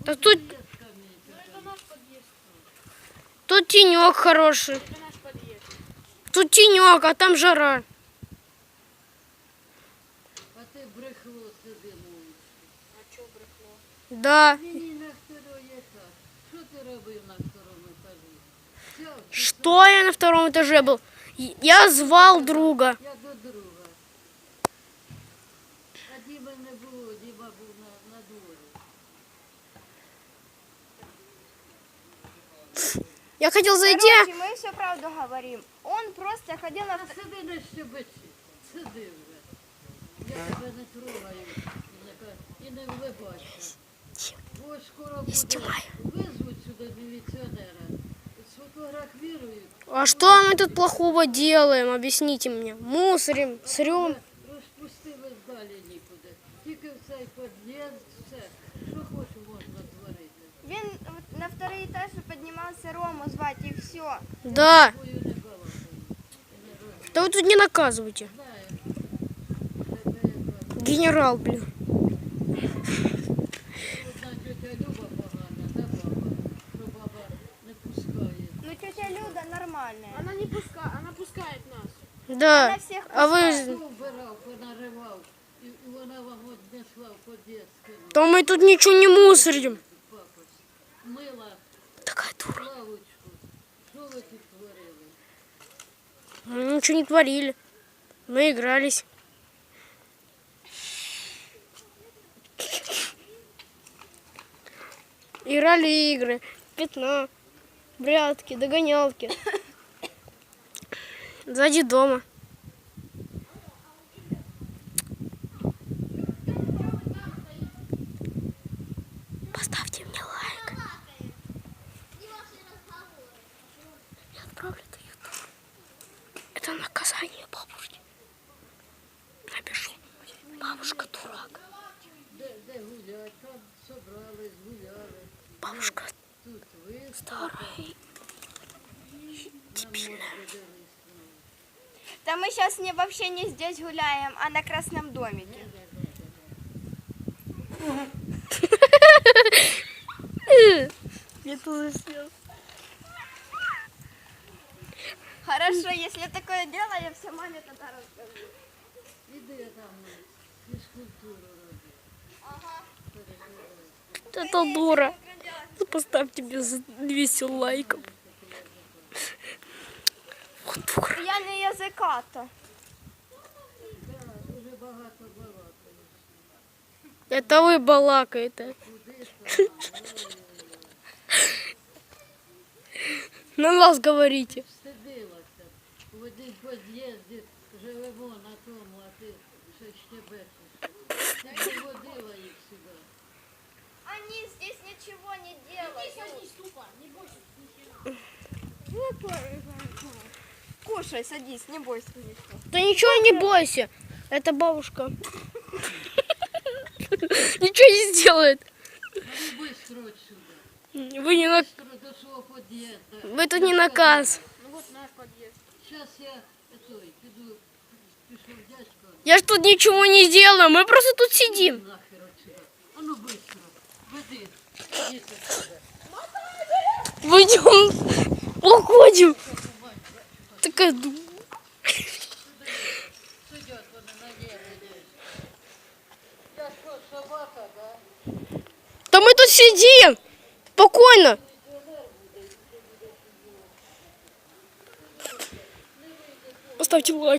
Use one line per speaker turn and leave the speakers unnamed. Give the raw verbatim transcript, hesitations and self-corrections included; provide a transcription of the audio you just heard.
Да тут... Тут тенек хороший. Тут тенек, а там жара.
А ти брехло сиди мовиш.
А чого брехло?
Да.
Мені на второй етаж. Що ти робив на второму етажі? Все,
Что я на втором этаже был? Я звал друга.
я до друга. А Діми не було, Діма був на, на дворі.
Я хотел зайти.
Короче, мы все правду говорим. Он просто ходил на...
А сиди на щебечі. Сиди вже. Я тебе не трогаю. І не ка- І не вливайся. Бо скоро буде. Визвуть сюди міліціонера. Сфотографірують.
А что мы тут плохого делаем? Объясните мне. Мусорим, срем.
Розпустили далі нікуди. Тільки в цей під'їзд, все. Що хочу можна творити.
Він от на второй этаж поднимался Рому звать и все.
Да.
Бою не балакаю. І не роз-
Да вы тут не наказывайте.
Знаю. Тебе яка.
Генерал, блин.
Одна тетя Люба погана, да баба? Що баба не пускає.
Ну тетя Люда нормальная.
Она не пускает, она пускает нас.
Да.
Она всех
А вы...
Хто вбирав, понаривав, і і вона вам однесла в під'їзд. кинула.
Да мы тут ничего не мусорим.
Папа, мила
Такая дура.
лавочку. Що ви тут творили?
Мы ничего не творили. Мы игрались. Играли игры. Пятна. Прятки, догонялки. Сзади дома. Поставьте мне лайк. Я отправлю это в YouTube. Это наказание бабушке. Напишу. Бабушка дурак.
Де, де гулять? Там собрались, гуляли.
Бабушка
Тут ви
старая. Дебильная.
Да мы сейчас не, вообще не здесь гуляем, а на Красном домике.
Я тоже съел.
Хорошо, если такое дело, я все маме тогда расскажу.
іди там фізкультуру роби.
Это дура. Ну, поставьте мне за двести лайков. Вот дура.
Я не языка-то.
Да, дуже багато балакаєш.
Это вы балакаете. На нас говорите.
Стидилася. В одній під'їзді живемо на тому, а ти ще щебечеш. Ти не водила їх сюди.
Они здесь ничего не делают.
Садись тупо, не бойся.
Кушай, садись, не бойся ничего.
Да ничего не бойся. Это бабушка. Ничего не сделает.
А ну быстро отсюда.
Вы не на...
Быстро до свого під'їзду.
Вы тут не наказ.
Ну вот наш подъезд.
Зараз я той, піду, пішов дядько.
Я ж тут ничего не делаю. Мы просто тут сидим.
Нахер отсюда. А ну быстро. Веди. Іди сюди.
Пойдем. Уходим. Такая дура.
Сидять вони на небі. Я що, собака, да?
Да мы тут сидим. Спокойно. Поставьте лайк.